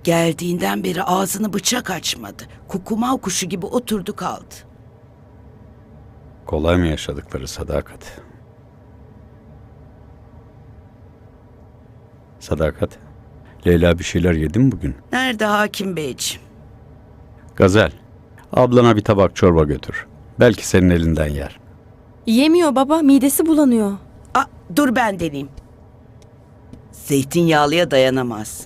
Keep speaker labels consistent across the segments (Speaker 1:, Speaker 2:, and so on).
Speaker 1: Geldiğinden beri ağzını bıçak açmadı. Kukumav kuşu gibi oturdu kaldı.
Speaker 2: Kolay mı yaşadıkları Sadakat? Sadakat, Leyla bir şeyler yedi mi bugün?
Speaker 1: Nerede hakim beyciğim?
Speaker 2: Gazel, ablana bir tabak çorba götür. Belki senin elinden yer.
Speaker 3: Yemiyor baba, midesi bulanıyor.
Speaker 1: Dur ben deneyeyim. Zeytinyağlıya dayanamaz.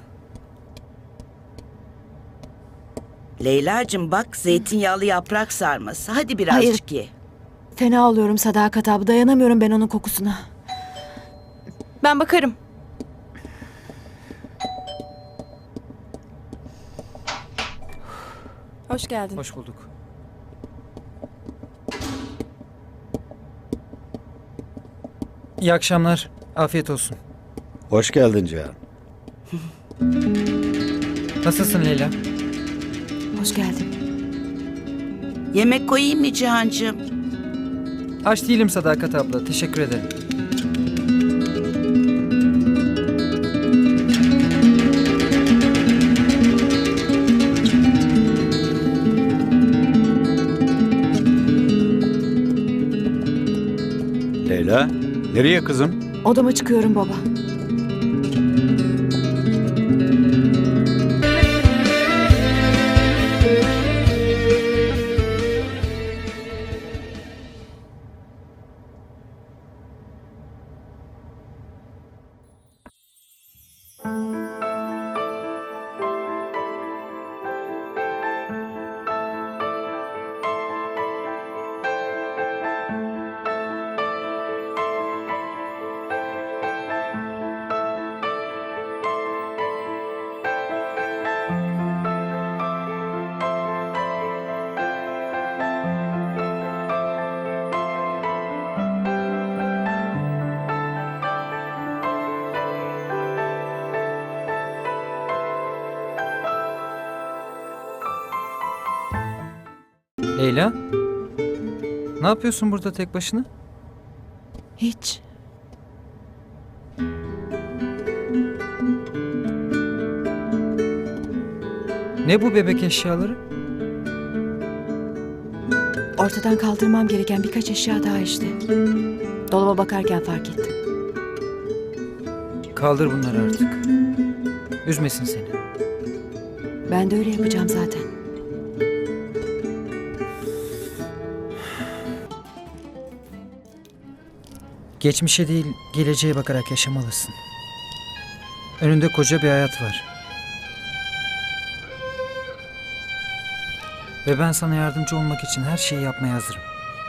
Speaker 1: Leyla'cığım bak, zeytinyağlı yaprak sarması. Hadi birazcık ye.
Speaker 4: Fena oluyorum Sadakat abi. Dayanamıyorum ben onun kokusuna.
Speaker 3: Ben bakarım. Hoş geldin.
Speaker 5: Hoş bulduk. İyi akşamlar. Afiyet olsun.
Speaker 2: Hoş geldin Cihan.
Speaker 5: Nasılsın Leyla?
Speaker 4: Hoş geldin.
Speaker 1: Yemek koyayım mı Cihancığım?
Speaker 5: Aç değilim Sadakat abla. Teşekkür ederim.
Speaker 2: Leyla, nereye kızım?
Speaker 4: Odama çıkıyorum baba.
Speaker 5: Leyla? Ne yapıyorsun burada tek başına?
Speaker 4: Hiç.
Speaker 5: Ne bu bebek eşyaları?
Speaker 4: Ortadan kaldırmam gereken birkaç eşya daha işte. Dolaba bakarken fark ettim.
Speaker 5: Kaldır bunları artık. Üzmesin seni.
Speaker 4: Ben de öyle yapacağım zaten.
Speaker 5: Geçmişe değil, geleceğe bakarak yaşamalısın. Önünde koca bir hayat var. Ve ben sana yardımcı olmak için her şeyi yapmaya hazırım.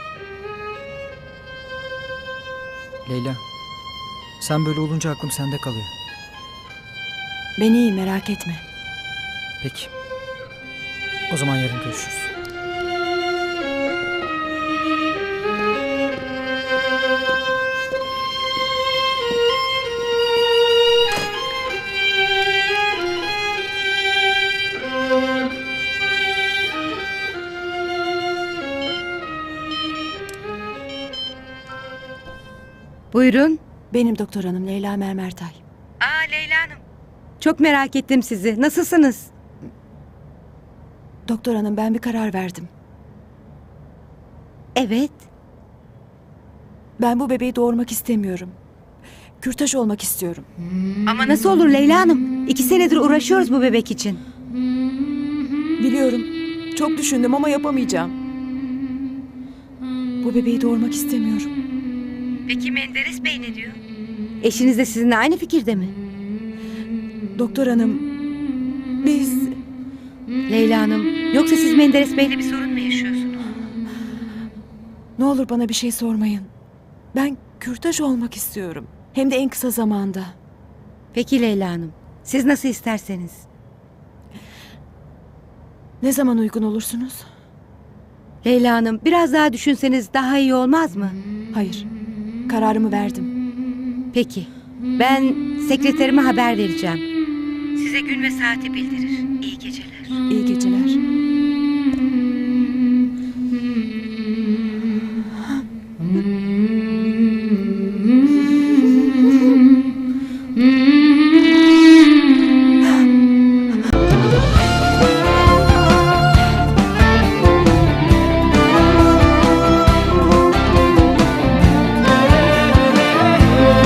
Speaker 5: Leyla, sen böyle olunca aklım sende kalıyor.
Speaker 4: Ben iyiyim, merak etme.
Speaker 5: Peki. O zaman yarın görüşürüz.
Speaker 6: Buyurun.
Speaker 4: Benim doktor hanım Leyla Mermertay.
Speaker 6: Leyla Hanım. Çok merak ettim sizi. Nasılsınız?
Speaker 4: Doktor hanım, ben bir karar verdim.
Speaker 6: Evet.
Speaker 4: Ben bu bebeği doğurmak istemiyorum. Kürtaj olmak istiyorum.
Speaker 6: Ama nasıl olur Leyla Hanım? 2 senedir uğraşıyoruz bu bebek için.
Speaker 4: Biliyorum. Çok düşündüm ama yapamayacağım. Bu bebeği doğurmak istemiyorum.
Speaker 6: Peki Menderes Bey ne diyor? Eşiniz de sizinle aynı fikirde mi?
Speaker 4: Doktor hanım, biz...
Speaker 6: Leyla Hanım, yoksa siz Menderes Bey'le bir sorun mu yaşıyorsunuz?
Speaker 4: Ne olur bana bir şey sormayın. Ben kürtaj olmak istiyorum. Hem de en kısa zamanda.
Speaker 6: Peki Leyla Hanım, siz nasıl isterseniz.
Speaker 4: Ne zaman uygun olursunuz?
Speaker 6: Leyla Hanım, biraz daha düşünseniz daha iyi olmaz mı?
Speaker 4: Hayır, kararımı verdim.
Speaker 6: Peki, ben sekreterime haber vereceğim. Size gün ve saati bildirir. İyi geceler.
Speaker 4: İyi geceler.